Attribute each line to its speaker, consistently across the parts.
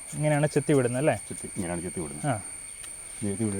Speaker 1: ഇങ്ങനെയാണ് ചെത്തി വിടുന്നത് അല്ലേ?
Speaker 2: ഇങ്ങനെയാണ് ചെത്തി വിടുന്നത്. ചെത്തി വിടുക.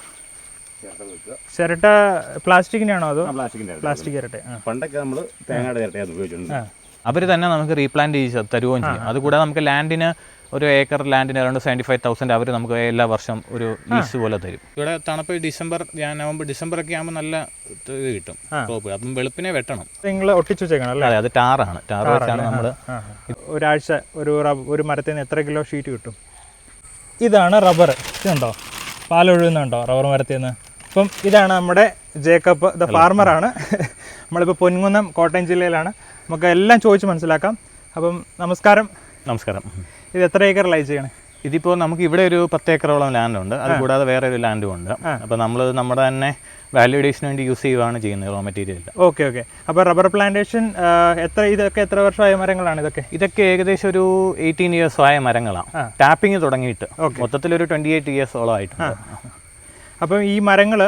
Speaker 1: ചിരട്ട പ്ലാസ്റ്റിക്കിൻ്റെ ആണോ അതോ?
Speaker 2: പ്ലാസ്റ്റിക്
Speaker 1: ചിരട്ട.
Speaker 2: പണ്ടൊക്കെ നമ്മൾ തേങ്ങയുടെ ചിരട്ടയാണ് ഉപയോഗിച്ചിട്ടുണ്ട്.
Speaker 3: അവർ തന്നെ നമുക്ക് റീപ്ലാന്റ് ചെയ്ത് തരുകയും ചെയ്യും. അതുകൂടാതെ നമുക്ക് ലാൻഡിന് ഒരു ഏക്കർ ലാൻഡിന് അറൗണ്ട് 75,000 അവർ നമുക്ക് എല്ലാ വർഷം ഒരു ലീസ് പോലെ തരും. ഇവിടെ തണുപ്പ് നവംബർ ഡിസംബർ ഒക്കെ ആകുമ്പോൾ നല്ല ഇത് കിട്ടും ക്രോപ്പ്. അപ്പം വെളുപ്പിനെ വെട്ടണം.
Speaker 1: നിങ്ങൾ ഒട്ടിച്ചു വെച്ചേക്കണം അല്ലേ?
Speaker 3: അതെ, അത് ടാറാണ്. ടാർ വെച്ചാണ് നമ്മൾ.
Speaker 1: ഒരാഴ്ച ഒരു മരത്തിൽ നിന്ന് എത്ര കിലോ ഷീറ്റ് കിട്ടും? ഇതാണ് റബ്ബർ. ഇതുണ്ടോ പാലൊഴുകുന്നുണ്ടോ റബ്ബർ മരത്തിൽ നിന്ന്? അപ്പം ഇതാണ് നമ്മുടെ ജേക്കബ് ദ ഫാർമറാണ്. നമ്മളിപ്പോൾ പൊൻകുന്നം കോട്ടയം ജില്ലയിലാണ്. നമുക്ക് എല്ലാം ചോദിച്ച് മനസ്സിലാക്കാം. അപ്പം നമസ്കാരം.
Speaker 3: നമസ്കാരം.
Speaker 1: ഇത് എത്ര ഏക്കറിലായി ചെയ്യണേ?
Speaker 3: ഇതിപ്പോൾ നമുക്ക് ഇവിടെ ഒരു 10 ഏക്കറോളം ലാൻഡുണ്ട്. അത് കൂടാതെ വേറെ ഒരു ലാൻഡും ഉണ്ട്. അപ്പോൾ നമ്മൾ നമ്മുടെ തന്നെ വാല്യൂഡേഷന് വേണ്ടി യൂസ് ചെയ്യുകയാണ് ചെയ്യുന്നത് റോ മെറ്റീരിയൽ.
Speaker 1: ഓക്കെ. അപ്പോൾ റബ്ബർ പ്ലാന്റേഷൻ ഇതൊക്കെ എത്ര വർഷമായ മരങ്ങളാണ് ഇതൊക്കെ?
Speaker 3: ഇതൊക്കെ ഏകദേശം ഒരു 18 years ആയ മരങ്ങളാണ്. ടാപ്പിംഗ് തുടങ്ങിയിട്ട് മൊത്തത്തിലൊരു 28 years ആയിട്ടുണ്ട്.
Speaker 1: അപ്പം ഈ മരങ്ങൾ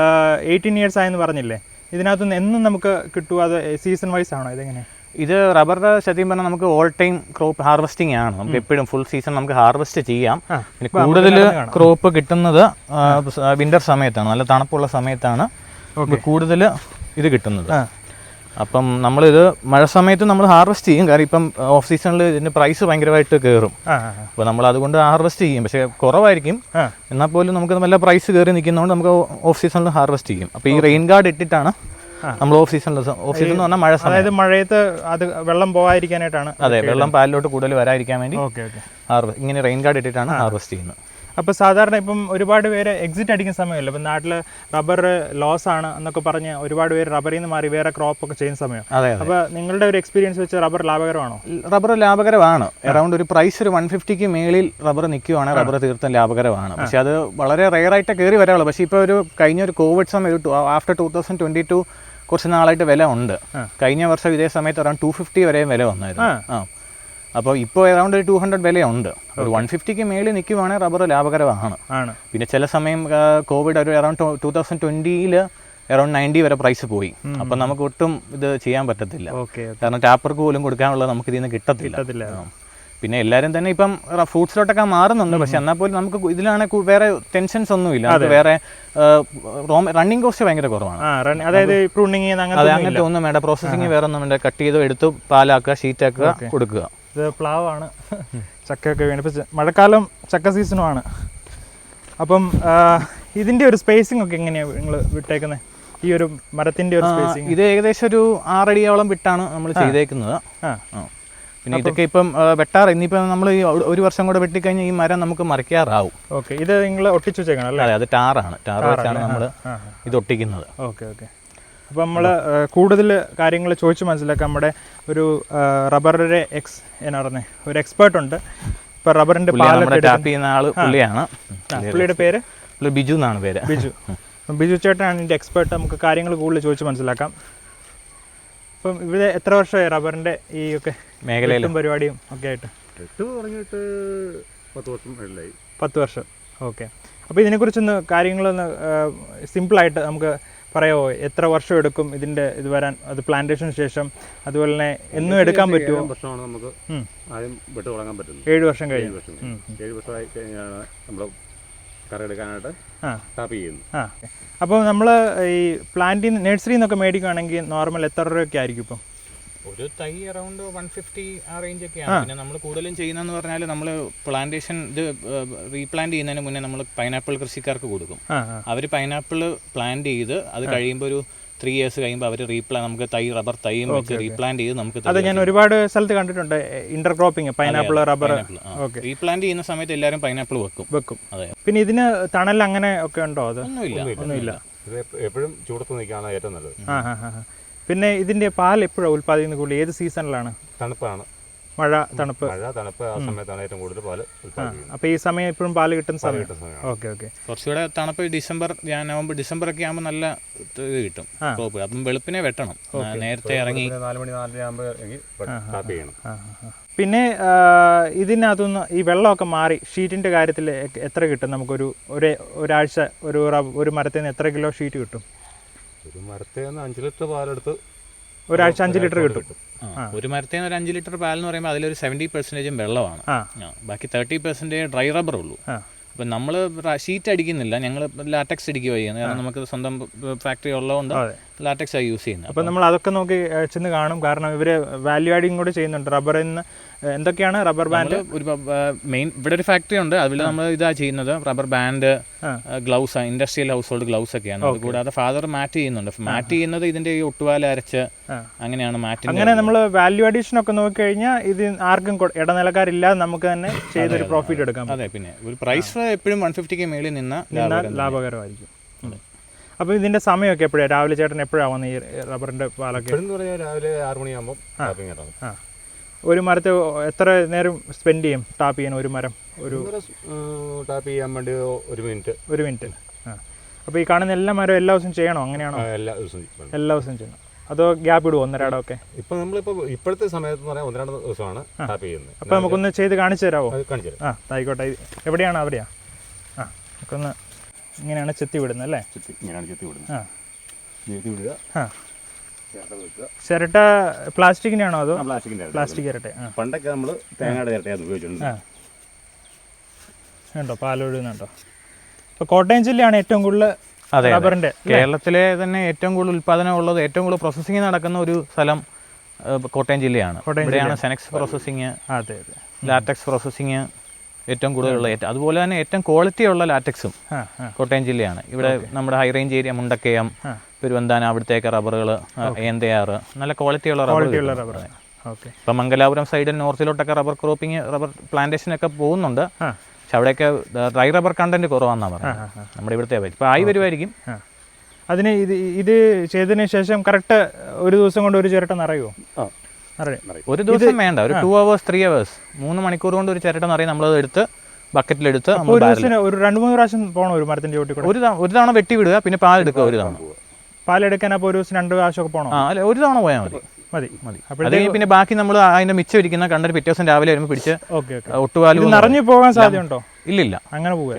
Speaker 1: 18 years ആയെന്ന് പറഞ്ഞില്ലേ, ഇതിനകത്തുനിന്ന് എന്നും നമുക്ക് കിട്ടുമോ? അത് സീസൺ വൈസ് ആണോ? ഇതെങ്ങനെ?
Speaker 3: ഇത് റബ്ബറിൻ്റെ സത്യം പറഞ്ഞാൽ നമുക്ക് ഓൾ ടൈം ക്രോപ്പ് ഹാർവെസ്റ്റിംഗ് ആണ്. നമുക്ക് എപ്പോഴും ഫുൾ സീസൺ നമുക്ക് ഹാർവെസ്റ്റ് ചെയ്യാം. പിന്നെ കൂടുതൽ ക്രോപ്പ് കിട്ടുന്നത് വിന്റർ സമയത്താണ്, നല്ല തണുപ്പുള്ള സമയത്താണ് കൂടുതൽ ഇത് കിട്ടുന്നത്. അപ്പം നമ്മളിത് മഴ സമയത്ത് നമ്മൾ ഹാർവെസ്റ്റ് ചെയ്യും. കാരണം ഇപ്പം ഓഫ് സീസണിൽ ഇതിൻ്റെ പ്രൈസ് ഭയങ്കരമായിട്ട് കയറും. അപ്പോൾ നമ്മൾ അതുകൊണ്ട് ഹാർവെസ്റ്റ് ചെയ്യും. പക്ഷേ കുറവായിരിക്കും. എന്നാൽ പോലും നമുക്ക് നല്ല പ്രൈസ് കയറി നിൽക്കുന്നതുകൊണ്ട് നമുക്ക് ഓഫ് സീസണിൽ ഹാർവെസ്റ്റ് ചെയ്യും. അപ്പോൾ ഈ റെയിൻ ഗാർഡ് ഇട്ടിട്ടാണ് നമ്മൾ ഓഫ് സീസൺ എന്ന് പറഞ്ഞാൽ മഴ സമയം,
Speaker 1: അതായത് മഴയത്ത് അത് വെള്ളം പോകാതിരിക്കാനായിട്ടാണ്.
Speaker 3: അതെ, വെള്ളം പാലിലോട്ട് കൂടുതൽ വരാതിരിക്കാൻ വേണ്ടി ഇങ്ങനെ റെയിൻ ഗാർഡ് ഇട്ടിട്ടാണ് ഹാർവെസ്റ്റ് ചെയ്യുന്നത്.
Speaker 1: അപ്പോൾ സാധാരണ ഇപ്പം ഒരുപാട് പേര് എക്സിറ്റ് അടിക്കുന്ന സമയമല്ല, ഇപ്പം നാട്ടിൽ റബ്ബർ ലോസ് ആണ് എന്നൊക്കെ പറഞ്ഞ് ഒരുപാട് പേര് റബ്ബറിൽ നിന്ന് മാറി വേറെ ക്രോപ്പ് ഒക്കെ ചെയ്യുന്ന സമയം. അപ്പോൾ നിങ്ങളുടെ ഒരു എക്സ്പീരിയൻസ് വെച്ച് റബ്ബർ ലാഭകരമാണോ?
Speaker 3: റബ്ബർ ലാഭകരമാണ്. അറൗണ്ട് ഒരു പ്രൈസ് ഒരു 150ക്ക് മേളിൽ റബ്ബർ നിൽക്കുവാണെങ്കിൽ റബ്ബർ തീർത്തും ലാഭകരമാണ്. പക്ഷെ അത് വളരെ റെയർ ആയിട്ട് കയറി വരാനുള്ളൂ. പക്ഷേ ഇപ്പോൾ കഴിഞ്ഞ ഒരു കോവിഡ് സമയം ആഫ്റ്റർ 2022 കുറച്ച് നാളായിട്ട് വില ഉണ്ട്. കഴിഞ്ഞ വർഷം ഇതേ സമയത്ത് അറൗണ്ട് 250 വരെയും വില വന്നായിരുന്നു. അപ്പോൾ ഇപ്പോൾ അറൗണ്ട് ഒരു 200 വിലയുണ്ട്. ഒരു 150ക്ക് മേളിൽ നിൽക്കുവാണെങ്കിൽ റബ്ബർ ലാഭകരമാണ്. പിന്നെ ചില സമയം കോവിഡ് ഒരു അറൗണ്ട് 2020 അറൗണ്ട് 90 വരെ പ്രൈസ് പോയി. അപ്പം നമുക്ക് ഒട്ടും ഇത് ചെയ്യാൻ പറ്റത്തില്ല. കാരണം ടാപ്പർക്ക് പോലും കൊടുക്കാനുള്ളത് നമുക്ക് ഇതിൽ നിന്ന് കിട്ടത്തില്ല. പിന്നെ എല്ലാവരും തന്നെ ഇപ്പം ഫ്രൂട്ട്സിലോട്ടൊക്കെ മാറുന്നുണ്ട്. പക്ഷെ എന്നാൽ പോലും നമുക്ക് ഇതിലാണ് വേറെ ടെൻഷൻസ് ഒന്നുമില്ല. അത് വേറെ റണ്ണിങ് കോസ്റ്റ് ഭയങ്കര കുറവാണ്.
Speaker 1: അതായത്
Speaker 3: അങ്ങനത്തെ ഒന്നും വേണ്ട. പ്രോസസ്സിങ് വേറെ ഒന്നും വേണ്ട. കട്ട് ചെയ്ത് എടുത്ത് പാലാക്കുക, ഷീറ്റാക്കുക, കൊടുക്കുക.
Speaker 1: ഇത് പ്ലാവാണ്. ചക്കയൊക്കെ വീണ് ഇപ്പം മഴക്കാലം ചക്ക സീസണുമാണ്. അപ്പം ഇതിൻ്റെ ഒരു സ്പേസിംഗ് ഒക്കെ എങ്ങനെയാണ് നിങ്ങൾ വിട്ടേക്കുന്നത്? ഈ ഒരു മരത്തിൻ്റെ ഒരു സ്പേസിംഗ്
Speaker 3: ഇത് ഏകദേശം ഒരു 6 അടിയോളം വിട്ടാണ് നമ്മൾ ചെയ്തേക്കുന്നത്. പിന്നെ ഇതൊക്കെ ഇപ്പം ഇനിയിപ്പം നമ്മൾ ഈ ഒരു വർഷം കൂടെ വെട്ടിക്കഴിഞ്ഞാൽ ഈ മരം നമുക്ക് മറിക്കാറാവും.
Speaker 1: ഓക്കെ. ഇത് നിങ്ങൾ ഒട്ടിച്ചു വെച്ചേക്കണം അല്ലേ?
Speaker 3: അതെ, അത് ടാറാണ്. ടാർ വെച്ചാണ് നമ്മൾ ഇത് ഒട്ടിക്കുന്നത്.
Speaker 1: ഓക്കെ. അപ്പോൾ നമ്മൾ കൂടുതൽ കാര്യങ്ങൾ ചോദിച്ച് മനസ്സിലാക്കാം. നമ്മുടെ ഒരു റബ്ബറിൻ്റെ ഒരു എക്സ്പേർട്ട് ഉണ്ട്. ഇപ്പോൾ റബ്ബറിൻ്റെ
Speaker 3: ടാപ്പ് ചെയ്യുന്ന ആൾ പുള്ളിയാണ്.
Speaker 1: പുള്ളിയുടെ പേര്
Speaker 3: ബിജു എന്നാണ് പേര്.
Speaker 1: ബിജു ചേട്ടനാണ് ഇതിൻ്റെ എക്സ്പേർട്ട്. നമുക്ക് കാര്യങ്ങൾ കൂടുതൽ ചോദിച്ച് മനസ്സിലാക്കാം. അപ്പം ഇവിടെ എത്ര വർഷമായി റബ്ബറിൻ്റെ ഈ ഒക്കെ മേഖലയിലും പരിപാടിയും ഒക്കെ ആയിട്ട്? 10 വർഷം. ഓക്കെ. അപ്പോൾ ഇതിനെക്കുറിച്ചൊന്ന് കാര്യങ്ങളൊന്ന് സിമ്പിളായിട്ട് നമുക്ക് പറയാമോ? എത്ര വർഷം എടുക്കും ഇതിൻ്റെ ഇത് വരാൻ? അത് പ്ലാന്റേഷന് ശേഷം അതുപോലെ തന്നെ എന്നും എടുക്കാൻ പറ്റുമോ?
Speaker 2: 7 വർഷമാണ് നമുക്ക് ആദ്യം വെട്ട് തുടങ്ങാൻ പറ്റുന്നത്.
Speaker 1: 7 വർഷം കഴിഞ്ഞു.
Speaker 2: 7 വർഷമായി കഴിഞ്ഞാണ് നമ്മൾ കറയെടുക്കാനായിട്ട് ടാപ്പ് ചെയ്യുന്നു.
Speaker 1: അപ്പോൾ നമ്മൾ ഈ പ്ലാന്റിൽ നഴ്സറിയിൽ നിന്നൊക്കെ മേടിക്കുകയാണെങ്കിൽ നോർമൽ എത്ര രൂപയൊക്കെ ആയിരിക്കും ഇപ്പം?
Speaker 3: ഒരു തൈ അറൗണ്ട് 150 ആ റേഞ്ചൊക്കെയാണ്. പിന്നെ നമ്മൾ കൂടുതലും ചെയ്യുന്നതെന്ന് പറഞ്ഞാൽ നമ്മൾ പ്ലാന്റേഷൻ ഇത് റീപ്ലാന്റ് ചെയ്യുന്നതിന് മുന്നേ നമ്മൾ പൈനാപ്പിൾ കൃഷിക്കാർക്ക് കൊടുക്കും. അവർ പൈനാപ്പിൾ പ്ലാന്റ് ചെയ്ത് അത് കഴിയുമ്പോൾ ഒരു 3 years കഴിയുമ്പോൾ അവർ നമുക്ക് റബ്ബർ തൈയും വെച്ച് റീപ്ലാന്റ് ചെയ്ത് നമുക്ക്.
Speaker 1: അത് ഞാൻ ഒരുപാട് സ്ഥലത്ത് കണ്ടിട്ടുണ്ട്. ഇന്റർക്രോപ്പിംഗ് പൈനാപ്പിൾ റബ്ബർ.
Speaker 3: റീപ്ലാന്റ് ചെയ്യുന്ന സമയത്ത് എല്ലാവരും പൈനാപ്പിൾ വെക്കും. അതെ.
Speaker 1: പിന്നെ ഇതിന് തണൽ അങ്ങനെ ഒക്കെ ഉണ്ടോ? അത്
Speaker 3: ഒന്നുമില്ല.
Speaker 2: എപ്പോഴും ചൂടത്ത് നിൽക്കുകയാണ് ഏറ്റവും നല്ലത്.
Speaker 1: പിന്നെ ഇതിന്റെ പാൽ എപ്പോഴാണ് ഉൽപ്പാദിക്കുന്നത് കൂടുതൽ? ഏത് സീസണിലാണ്?
Speaker 2: തണുപ്പാണ്.
Speaker 1: തണുപ്പ്
Speaker 2: ആ സമയത്താണ് ഏറ്റവും കൂടുതൽ പാല് ഉൽപ്പാദിപ്പിക്കുന്നത്.
Speaker 1: അപ്പോൾ ഈ സമയം എപ്പോഴും പാല് കിട്ടുന്ന സമയം. ഓക്കെ.
Speaker 3: കുറച്ചുകൂടെ തണുപ്പ് നവംബർ ഡിസംബർ ഒക്കെ ആകുമ്പോൾ നല്ല ഇത് കിട്ടും ക്രോപ്പ്. അപ്പം വെളുപ്പിനെ വെട്ടണം. നേരത്തെ ഇറങ്ങി
Speaker 2: 4 മണി 4:30 ആകുമ്പോൾ ടാപ്പ് ചെയ്യണം.
Speaker 1: പിന്നെ ഇതിനകത്തുനിന്ന് ഈ വെള്ളമൊക്കെ മാറി ഷീറ്റിന്റെ കാര്യത്തിൽ എത്ര കിട്ടും നമുക്കൊരു ഒരാഴ്ച ഒരു മരത്തിൽ നിന്ന് എത്ര കിലോ ഷീറ്റ് കിട്ടും?
Speaker 2: ഒരു മരത്തിൽ നിന്ന് 5 ലിറ്റർ പാലെടുത്ത്
Speaker 1: ഒരാഴ്ച 5 ലിറ്റർ കിട്ടും.
Speaker 3: ഒരു മരത്തേന്ന് ഒരു 5 ലിറ്റർ പാലെന്ന് പറയുമ്പോൾ അതിലൊരു 70% വെള്ളമാണ്. ബാക്കി 30% ഡ്രൈ റബ്ബർ ഉള്ളൂ. അപ്പം നമ്മൾ ഷീറ്റ് അടിക്കുന്നില്ല, ഞങ്ങൾ ലാറ്റക്സ് അടിക്കുക ചെയ്യുന്നത്. കാരണം നമുക്ക് സ്വന്തം ഫാക്ടറി ഉള്ളതുകൊണ്ട് ലാറ്റക്സ് ആയി യൂസ് ചെയ്യുന്നത്.
Speaker 1: അപ്പം നമ്മൾ അതൊക്കെ നോക്കി ചെന്ന് കാണും. കാരണം ഇവർ വാല്യൂ ആഡിങ് കൂടെ ചെയ്യുന്നുണ്ട്. റബ്ബറിൽ നിന്ന് എന്തൊക്കെയാണ് റബ്ബർ ബാൻഡ്
Speaker 3: ഒരു മെയിൻ ഇവിടെ ഒരു ഫാക്ടറി ഉണ്ട്. അതിൽ നമ്മൾ ഇതാ ചെയ്യുന്നത് rubber band, gloves, industrial household gloves ഒക്കെയാണ്. അതുകൂടാതെ ഫാദർ മാറ്റ് ചെയ്യുന്നുണ്ട്. മാറ്റ് ചെയ്യുന്നത് ഇതിന്റെ ഈ ഒട്ടുപാല അരച്ച് അങ്ങനെയാണ് മാറ്റ്.
Speaker 1: അങ്ങനെ നമ്മൾ വാല്യൂ അഡീഷൻ ഒക്കെ നോക്കിക്കഴിഞ്ഞാൽ ഇത് ആർക്കും ഇടനിലക്കാരില്ലാതെ നമുക്ക് തന്നെ ചെയ്തൊരു പ്രോഫിറ്റ് എടുക്കാം.
Speaker 3: അതെ, പിന്നെ ഒരു പ്രൈസ് എപ്പോഴും 150K മേളിൽ നിന്നാൽ
Speaker 1: ലാഭകരമായിരിക്കും. അപ്പോൾ ഇതിന്റെ സമയമൊക്കെ എപ്പോഴാണ്? രാവിലെ ചേട്ടൻ എപ്പോഴാണ് വന്ന് ഈ റബ്ബറിന്റെ പാലൊക്കെ?
Speaker 2: രാവിലെ 6 മണിയാകുമ്പോൾ
Speaker 1: ഒരു മരത്തെ എത്ര നേരം സ്പെൻഡ് ചെയ്യും ടാപ്പ് ചെയ്യാൻ? ഒരു മരം
Speaker 2: ടാപ്പ് ചെയ്യാൻ വേണ്ടി 1 മിനിറ്റ്.
Speaker 1: അപ്പോൾ ഈ കാണുന്ന എല്ലാ മരവും എല്ലാ ദിവസവും ചെയ്യണോ? അങ്ങനെയാണോ?
Speaker 2: എല്ലാ ദിവസവും
Speaker 1: ചെയ്യണം. അതോ ഗ്യാപ്പ് ഇടുവോ ഒന്നരാടമൊക്കെ?
Speaker 2: ഇപ്പം നമ്മളിപ്പോൾ ഇപ്പോഴത്തെ സമയത്ത് പറഞ്ഞാൽ 1-2 ദിവസമാണ് ടാപ്പ് ചെയ്യുന്നത്.
Speaker 1: അപ്പോൾ നമുക്കൊന്ന് ചെയ്ത് കാണിച്ചു തരാമോ?
Speaker 2: കാണിച്ചു തരാം.
Speaker 1: ആയിക്കോട്ടെ. എവിടെയാണ്? അവിടെയാ? നമുക്കൊന്ന് ഇങ്ങനെയാണ് ചെത്തി വിടുന്നത് അല്ലേ?
Speaker 2: ഇങ്ങനെയാണ് ചെത്തി വിടുന്നത്. വിടുക.
Speaker 1: ചിരട്ട പ്ലാസ്റ്റിക്കിൻ്റെ ആണോ അതോ? പ്ലാസ്റ്റിക് ചിരട്ട.
Speaker 2: പണ്ടൊക്കെ നമ്മൾ തേങ്ങയുടെ ചിരട്ടയാണ് ഉപയോഗിച്ചിട്ടുണ്ട്.
Speaker 1: ഉണ്ടോ പാലൊഴുകുന്നുണ്ടോ? ഇപ്പോൾ കോട്ടയം ജില്ലയാണ് ഏറ്റവും കൂടുതൽ റബ്ബറിന്റെ
Speaker 3: കേരളത്തിലെ തന്നെ ഏറ്റവും കൂടുതൽ ഉൽപ്പാദനം ഉള്ളത്, ഏറ്റവും കൂടുതൽ പ്രോസസ്സിംഗ് നടക്കുന്ന ഒരു സ്ഥലം കോട്ടയം ജില്ലയാണ്. ഇവിടെയാണ് സെനക്സ് പ്രോസസ്സിങ്, ലാറ്റക്സ് പ്രോസസ്സിങ് ഏറ്റവും കൂടുതലുള്ള. അതുപോലെ തന്നെ ഏറ്റവും ക്വാളിറ്റി ഉള്ള ലാറ്റക്സും കോട്ടയം ജില്ലയാണ്. ഇവിടെ നമ്മുടെ high range area Mundakayam, Peruvanthanam, അവിടുത്തേക്ക് റബ്ബറുകൾ, ഏന്തയാറ്, നല്ല ക്വാളിറ്റിയുള്ള റബ്ബർ. ഇപ്പം മംഗലാപുരം സൈഡിൽ നോർത്തിലോട്ടൊക്കെ റബ്ബർ ക്രോപ്പിംഗ്, റബ്ബർ പ്ലാന്റേഷനൊക്കെ പോകുന്നുണ്ട്. പക്ഷെ അവിടെയൊക്കെ ഡ്രൈ റബ്ബർ കണ്ടന്റ് കുറവാണെന്നാണ് പറയുന്നത്. നമ്മുടെ ഇവിടുത്തെ ഇപ്പം ആയി വരുമായിരിക്കും.
Speaker 1: അതിന് ഇത് ചെയ്തതിന് ശേഷം കറക്റ്റ് ഒരു ദിവസം കൊണ്ട് ഒരു ചിരട്ട നിറയുമോ?
Speaker 3: ഒരു ദിവസം വേണ്ട, ഒരു 2 hours 3 hours 3 മണിക്കൂർ കൊണ്ട് ഒരു ചിരട്ട നിറയും. നമ്മളത് എടുത്ത് ബക്കറ്റിലെടുത്ത്
Speaker 1: ഒരു 2-3 പ്രാവശ്യം പോകണം ഒരു മരത്തിന്റെ ചോട്ടിൽ കൂടെ.
Speaker 3: ഒരു തവണ വെട്ടി വിടുക, പിന്നെ പാലെടുക്കുക. ഒരു തവണ
Speaker 1: പാലെടുക്കാൻ അപ്പോൾ ഒരു ദിവസം 2 പ്രാവശ്യമൊക്കെ പോകണം.
Speaker 3: അല്ല, ഒരു തവണ പോയാൽ മതി. അല്ലെങ്കിൽ പിന്നെ ബാക്കി നമ്മൾ അതിന്റെ മിച്ചം ഇരിക്കുന്ന കണ്ടിട്ട് പിറ്റേ ദിവസം രാവിലെ വരുമ്പോൾ പിടിച്ച് ഒട്ടുപാല്
Speaker 1: നിറഞ്ഞു പോകാൻ സാധ്യതയുണ്ടോ?
Speaker 3: ഇല്ല,
Speaker 1: അങ്ങനെ പോവുക.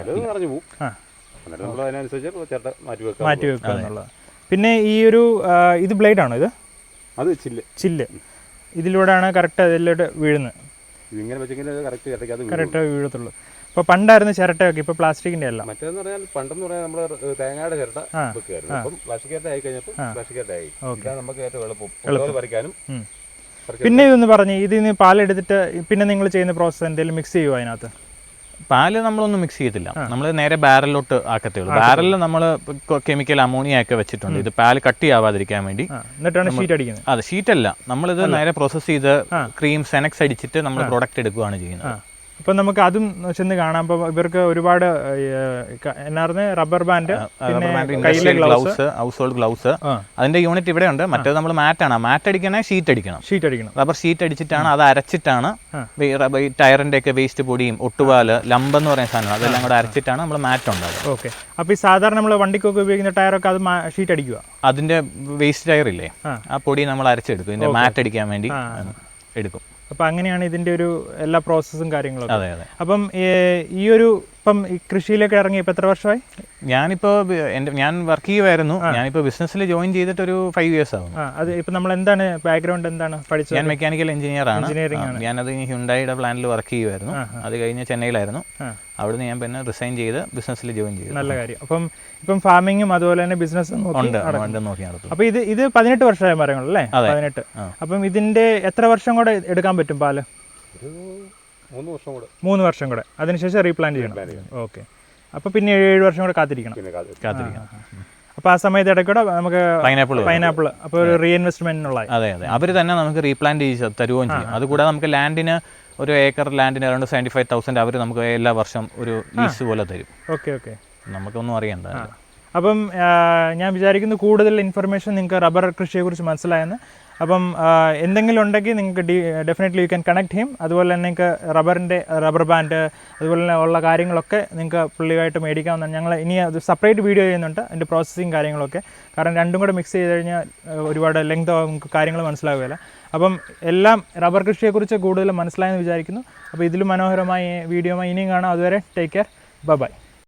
Speaker 1: മാറ്റി വെക്കുക എന്നുള്ളത്. പിന്നെ ഈ ഒരു ഇത് ബ്ലേഡ് ആണോ? ഇത് ചില്ല്. ഇതിലൂടെയാണ് കറക്റ്റ് അതിലോട്ട് വീഴുന്നത്. കറക്റ്റ് വീഴത്തുള്ളൂ. ഇപ്പോൾ പണ്ടായിരുന്നു ചിരട്ടയൊക്കെ, ഇപ്പോൾ പ്ലാസ്റ്റിക്കിന്റെ അല്ല.
Speaker 2: മറ്റേന്ന് പറഞ്ഞാൽ പണ്ടെന്ന് പറഞ്ഞാൽ നമ്മൾ തേങ്ങയുടെ ചിരട്ട വെക്കുകയായിരുന്നു. അപ്പം പ്ലാസ്റ്റിക് ചിരട്ട ആയി കഴിഞ്ഞപ്പോൾ പ്ലാസ്റ്റിക് ചിരട്ട ആയി. ഇതാണ് നമുക്ക് ഏറ്റവും എളുപ്പം പറിക്കാനും.
Speaker 1: പിന്നെ ഇതൊന്ന് പറഞ്ഞ് ഇതിന് പാലെടുത്തിട്ട് പിന്നെ നിങ്ങൾ ചെയ്യുന്ന പ്രോസസ്സ് എന്തെങ്കിലും മിക്സ് ചെയ്യുമോ അതിനകത്ത്?
Speaker 3: പാല് നമ്മളൊന്നും മിക്സ് ചെയ്തില്ല, നമ്മൾ നേരെ ബാരലിലോട്ട് ആക്കത്തേ ഉള്ളൂ. ബാരലിൽ നമ്മൾ കെമിക്കൽ അമോണിയ ഒക്കെ വെച്ചിട്ടുണ്ട്, ഇത് പാല് കട്ടിയാവാതിരിക്കാൻ വേണ്ടി.
Speaker 1: എന്നിട്ടാണ് ഷീറ്റ് അടിക്കുന്നത്?
Speaker 3: അതെ, ഷീറ്റല്ല, നമ്മളിത് നേരെ പ്രോസസ്സ് ചെയ്ത് ക്രീം സെനക്സ് അടിച്ചിട്ട് നമ്മൾ പ്രൊഡക്റ്റ് എടുക്കുകയാണ് ചെയ്യുന്നത്.
Speaker 1: അപ്പം നമുക്ക് അതും ചെന്ന് കാണാം. അപ്പോൾ ഇവർക്ക് ഒരുപാട് എന്നായിരുന്നു rubber band,
Speaker 3: gloves, household gloves, അതിന്റെ യൂണിറ്റ് ഇവിടെ ഉണ്ട്. മറ്റേത് നമ്മൾ മാറ്റാണ്. മാറ്റ് അടിക്കണേ ഷീറ്റ് അടിക്കണം. റബ്ബർ ഷീറ്റ് അടിച്ചിട്ടാണ്, അത് അരച്ചിട്ടാണ് ടയറിന്റെ ഒക്കെ വേസ്റ്റ് പൊടിയും ഒട്ടുപാല്, ലംബ് എന്ന് പറയുന്ന സാധനം, അതെല്ലാം കൂടെ അരച്ചിട്ടാണ് നമ്മൾ മാറ്റ് ഉണ്ടാകുന്നത്.
Speaker 1: ഓക്കെ. അപ്പോൾ ഈ സാധാരണ നമ്മൾ വണ്ടിക്കൊക്കെ ഉപയോഗിക്കുന്ന ടയറൊക്കെ അത് ഷീറ്റ് അടിക്കുക.
Speaker 3: അതിന്റെ വേസ്റ്റ് ടയർ ഇല്ലേ, ആ പൊടി നമ്മൾ അരച്ചെടുക്കും, ഇതിന്റെ മാറ്റ് അടിക്കാൻ വേണ്ടി എടുക്കും.
Speaker 1: അപ്പം അങ്ങനെയാണ് ഇതിൻ്റെ ഒരു എല്ലാ പ്രോസസ്സും കാര്യങ്ങളൊക്കെ.
Speaker 3: അതെ അതെ.
Speaker 1: അപ്പം ഈ ഒരു ഇപ്പം ഈ കൃഷിയിലൊക്കെ ഇറങ്ങി ഇപ്പം എത്ര വർഷമായി?
Speaker 3: ഞാൻ വർക്ക് ചെയ്യുമായിരുന്നു. ഞാനിപ്പോൾ ബിസിനസ്സിൽ ജോയിൻ ചെയ്തിട്ട് ഒരു 5 years ആവും.
Speaker 1: അത് ഇപ്പം നമ്മൾ എന്താണ് ബാക്ക്ഗ്രൗണ്ട് എന്താണ് പഠിച്ചത്?
Speaker 3: ഞാൻ മെക്കാനിക്കൽ എഞ്ചിനീയർ ആണ്. ഞാനത് ഹ്യുണ്ടായിയുടെ പ്ലാന്റിൽ വർക്ക് ചെയ്യുമായിരുന്നു. അത് കഴിഞ്ഞ് ചെന്നൈയിലായിരുന്നു. അവിടുന്ന് ഞാൻ പിന്നെ റിസൈൻ ചെയ്ത് ബിസിനസ്സിൽ ജോയിൻ ചെയ്തു.
Speaker 1: നല്ല കാര്യം. അപ്പം ഇപ്പം ഫാമിങ്ങും അതുപോലെ തന്നെ ബിസിനസ്സും
Speaker 3: നോക്കി നടത്തും.
Speaker 1: അപ്പോൾ ഇത് 18 വർഷമായ മരങ്ങളല്ലേ? 18. അപ്പം ഇതിന്റെ എത്ര വർഷം കൂടെ എടുക്കാൻ പറ്റും പാല്? 3 വർഷം കൂടെ. അതിനുശേഷം റീപ്ലാന്റ് ചെയ്യണം. ഓക്കെ. അപ്പോൾ പിന്നെ 7 വർഷം കൂടെ കാത്തിരിക്കണം. അപ്പോൾ ആ സമയത്ത് ഇടയ്ക്കൂടെ നമുക്ക് പൈനാപ്പിൾ അപ്പോൾ ഒരു റീഇൻവെസ്റ്റ്മെന്റിനുള്ള.
Speaker 3: അതെ അതെ, അവർ തന്നെ നമുക്ക് റീപ്ലാന്റ് ചെയ്ത് തരുകയും ചെയ്യും. അതുകൂടാതെ നമുക്ക് ലാൻഡിന്, ഒരു ഏക്കർ ലാൻഡിന് അറൗണ്ട് 75,000 അവർ നമുക്ക് എല്ലാ വർഷം ഒരു ലീസ് പോലെ തരും.
Speaker 1: ഓക്കെ.
Speaker 3: നമുക്കൊന്നും അറിയണ്ട.
Speaker 1: അപ്പം ഞാൻ വിചാരിക്കുന്നു കൂടുതൽ ഇൻഫർമേഷൻ നിങ്ങൾക്ക് റബ്ബർ കൃഷിയെക്കുറിച്ച് മനസ്സിലായെന്ന്. അപ്പം എന്തെങ്കിലും ഉണ്ടെങ്കിൽ നിങ്ങൾക്ക് definitely you can connect him. അതുപോലെ തന്നെ നിങ്ങൾക്ക് റബ്ബർ ബാൻഡ് അതുപോലെ തന്നെ ഉള്ള കാര്യങ്ങളൊക്കെ നിങ്ങൾക്ക് പുള്ളിയായിട്ട് മേടിക്കാവുന്നതാണ്. ഞങ്ങൾ ഇനി അത് സെപ്പറേറ്റ് വീഡിയോ ചെയ്യുന്നുണ്ട്, അതിൻ്റെ പ്രോസസ്സിങ് കാര്യങ്ങളൊക്കെ. കാരണം രണ്ടും കൂടെ മിക്സ് ചെയ്ത് കഴിഞ്ഞാൽ ഒരുപാട് ലെങ്ത് നമുക്ക് കാര്യങ്ങൾ മനസ്സിലാവുകയില്ല. അപ്പം എല്ലാം റബ്ബർ കൃഷിയെക്കുറിച്ച് കൂടുതൽ മനസ്സിലായെന്ന് വിചാരിക്കുന്നു. അപ്പോൾ ഇതിലും മനോഹരമായ വീഡിയോമായി ഇനിയും കാണാം. അതുവരെ ടേക്ക് കെയർ, ബൈ.